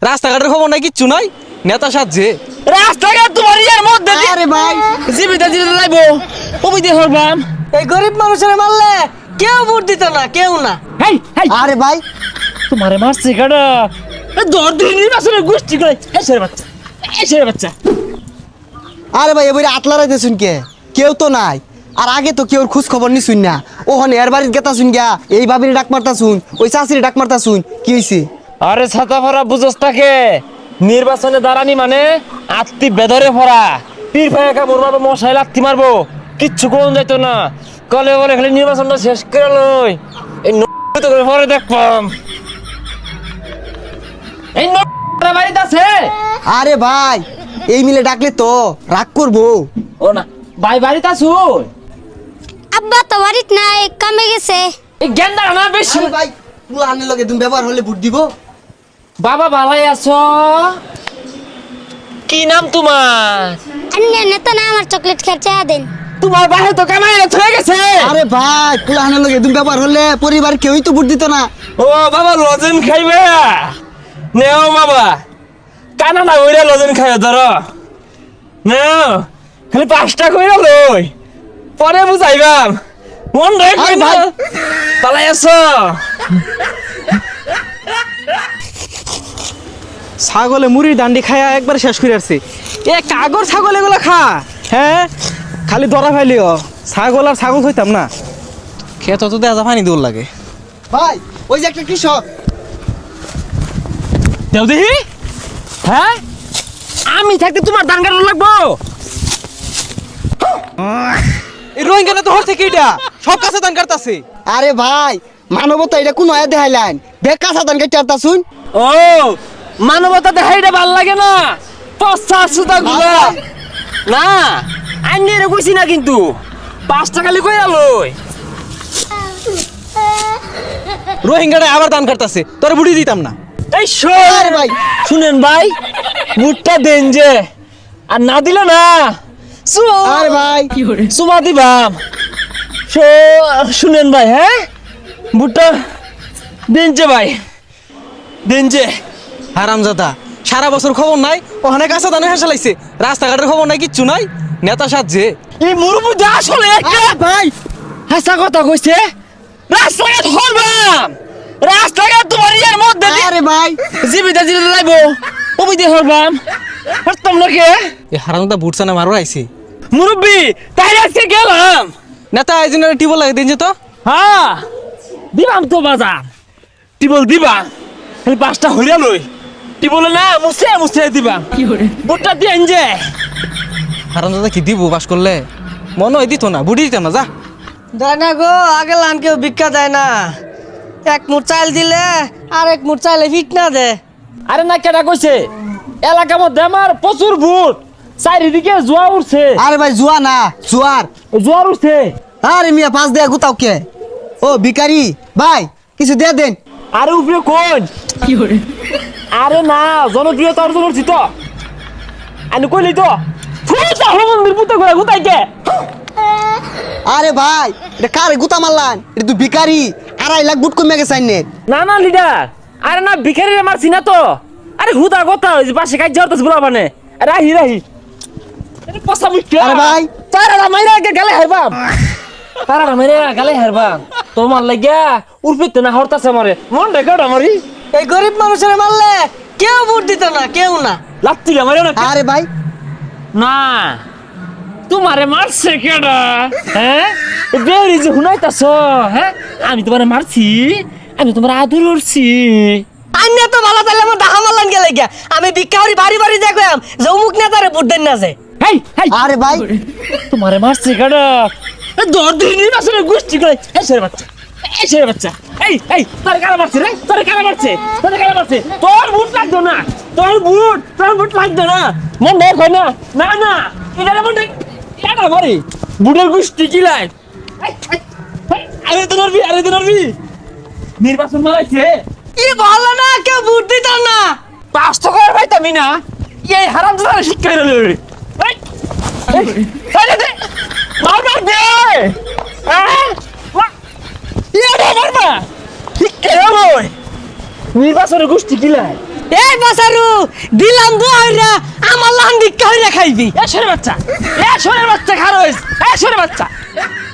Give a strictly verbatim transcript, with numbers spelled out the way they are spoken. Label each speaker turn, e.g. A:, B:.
A: রাস্তাঘাটের খবর নাই, কিচ্ছু নাই, নেতা সাজছে।
B: রাস্তাঘাট তোমার ইয়ার মধ্যে আরে ভাই জীবিত জীবিত লাইবো ওই দিয়ে হরবাম।
C: এই গরিব মানুষের মারলে কেউ ভোট দিত না, কেউ না।
B: হেই হেই
C: আরে ভাই
B: তোমারে মারছে কাটা দর দিনই আসলে গোষ্ঠী করে এসের বাচ্চা এসের বাচ্চা।
C: আরে ভাই এবারে আতলা রাইতে শুন কে কেউ তো নাই। আর আগে তো কেউ খোঁজ খবর নি শুন না, ওখানে এর বাড়ির গেতা শুন গিয়া এই ভাবির ডাক মারতা শুন, ওই চাষির ডাক মারতা শুন, কি হইছে?
B: আরে ছাতা ভরা বুঝস তাকে নির্বাচনে দাঁড়ানি মানে আত্মি বেদরে ভরা পীর ভাই একা মরবাবো মশাই লাত্তি মারবো কিচ্ছু কোন যাইতো না। কলে বলে খালি নির্বাচনটা শেষ করে লই এই তো করে পরে দেখবাম এই বাড়িতে আছে।
C: আরে ভাই এই মিলে ডাকলে তো রাগ করবো।
B: ও না ভাই বাড়িতে আছো?
D: আব্বা তো বাড়িত নাই, কামে গেছে।
B: এই গেন্দা না বেশি।
C: আরে ভাই পুলানের লগে তুমি ব্যবহার হলে ভোট দিব।
B: বাবা ভালাই আছো? কি নাম তোমার?
D: আন্নে নেতা না আমার চকলেট খেতে দেন।
B: তোমার বাহে তো কামাই হয়ে গেছে।
C: আরে ভাই পুলানের লগে তুমি ব্যবহার হলে পরিবার কেউই তো ভোট দিত না।
B: ও বাবা লজেন খাইবে নেও বাবা কানা না ওইরা লজেন খাইবে ধরো নেও খালি পাঁচটা কইরা লই পরে বুঝাইবাম মন রাখ
C: আরে
B: ভাই
C: ভাই।
B: পালাই আছো।
A: ছাগলে মুড়ির ডান্ডি খায়া একবার শেষ করে আসছে। এ কাগর ছাগল এগুলো খা, হ্যাঁ খালি দরা ফাইলিও ছাগল আর ছাগল হইতাম না। খেত তো দেখা পানি দৌড় লাগে।
C: ভাই ওই যে একটা কৃষক।
B: দেও দেখি হ্যাঁ আমি থাকতে তোমার ধান কাটা লাগবো।
A: এই রোহিঙ্গা তো হর থেকে এটা সব কাছে দান কাটতাছে।
C: আরে ভাই মানবতা এটা কোন আয়া দেখাইলেন, বেকা সাধান কেটে আরতা শুন।
B: ও মানবতা দেখাইটা ভাল লাগে না পচা সুতা গুলা না আইনি রে কইছি না কিন্তু পাঁচ টাকা লি কইরা লই।
A: রোহিঙ্গাটা আবার দান কাটতাছে, তোরে বুড়ি দিতাম না।
B: এই শোন
C: আরে ভাই।
B: শুনেন ভাই বুটটা দেন যে আর না দিলে না সু-
C: আরে ভাই
B: সুমা দিবাম। শো- শুনেন ভাই হ্যাঁ বুটটা দেন যে ভাই দেন যে।
A: হারামজাদা সারা বছর খবর নাই, ওখানে কাঁচা দানে হেসে লাগছে। রাস্তাঘাটের খবর নাই, কিচ্ছু নাই, নেতা সাজছে।
B: এই মুরুবুদা আসলে একটা
C: ভাই
B: হাসা কথা কইছে রাস্তাঘাট হরবাম রাস্তাঘাট তোমার ইয়ার মধ্যে দিয়ে
C: আরে ভাই
B: জীবিত জীবিত লাইবো ওই দিয়ে হরবাম হরতাম না কে
A: এই হারামজাদা বুটছা না মারো আইছে।
B: মুরব্বি তাই আজকে গেলাম।
A: নেতা এই জন্য টিবল লাগে দিন যে তো।
B: হ্যাঁ দিবাম তো বাজার টিবল দিবা খালি পাঁচটা হইয়া লই টিবলে না মুছে মুছে দিবা বুটটা দিয়ে যে।
A: হারামজাদা কি দিব বাস করলে? মনে হয় দিত না, বুড়ি দিতাম না। যা
C: দেয় না গো, আগে লান কেউ ভিক্ষা দেয় না। এক মুঠ চাল দিলে আর এক মুঠ চাইলে ফিট না দে।
B: আরে না কেটা কইছে এলাকার মধ্যে আমার প্রচুর ভূত চারিদিকে জোয়া উঠছে
C: আরে ভাই জুয়া না জুয়ার।
B: জোয়ার উঠছে।
C: আরে মিয়া পাঁচ দেয়া গুতাও কে? ও ভিখারি ভাই কিছু দিয়ে দেন।
B: আরে উপরে কোন আরে না জনপ্রিয়তা অর্জন করছি তো আমি কইলি তো ফুটা মন্দির পুতো করে গুতাই কে।
C: আরে ভাই এটা কারে গুতা মারলান? এটা তুই ভিখারি, আড়াই লাখ বুট কমে গেছে আইনের।
B: না না লিডার আরে না ভিখারি মারছি না তো। আরে হুদা কথা ওই যে পাশে কাজ যাওয়ার বলা মানে রাহি রাহি আরে পসা মুখ্য।
C: আরে ভাই।
B: তারা মাইরা কে গালে হারবাম তারা মাইরা গালে হারবাম তোমার লাগিয়া উর্ফিতে না হরতাছে মারে মন রে গড়া মারি।
C: এই গরিব মানুষের মারলে কেউ ভোট দিত না, কেউ না।
B: লাত্তি মারে না
C: আরে ভাই
B: না তোমারে মারছে কেডা হ্যাঁ বেরি যে হুনাইতাছ হ্যাঁ আমি তোমারে মারছি আমি তোমার আদর করছি।
C: আইনে তো ভালো তাইলে আমার ডাহা মারলান গেলে গিয়া আমি ভিক্ষা করি বাড়ি বাড়ি দেখলাম যে অমুক নেতারে ভোট দেন না যে।
B: হেই হেই
C: আরে ভাই
B: তোমারে মারছে কেডা দর দিনই আসলে গোষ্ঠী করে এসের বাচ্চা এসের বাচ্চা। এই এই তোর কারা মারছে রে তোর কারা মারছে তোর কারা মারছে তোর বুট লাগতো না তোর বুট তোর বুট লাগতো না মন দেখ না না না এটা মন দেখ কেডা মারি বুটের গোষ্ঠী কি লাই। আরে তো নরবি আরে তো নরবি নির্বাচন মারাইছে
C: কি ভালো না, কেউ ভোট দিত না।
B: পাঁচ টাকা পাইতামি না এই হারাম দাদা শিক্ষা হইল রে। এই এই এই দে মার মার দে হ্যাঁ ইয়া দে মার মা শিক্ষা হইল নির্বাচনের গোষ্ঠী কি লাই
E: এই বাসারু দিলাম দুইরা আমার লান্দি কইরা খাইবি
B: এ সরে বাচ্চা এ সরে বাচ্চা খারো এ সরে বাচ্চা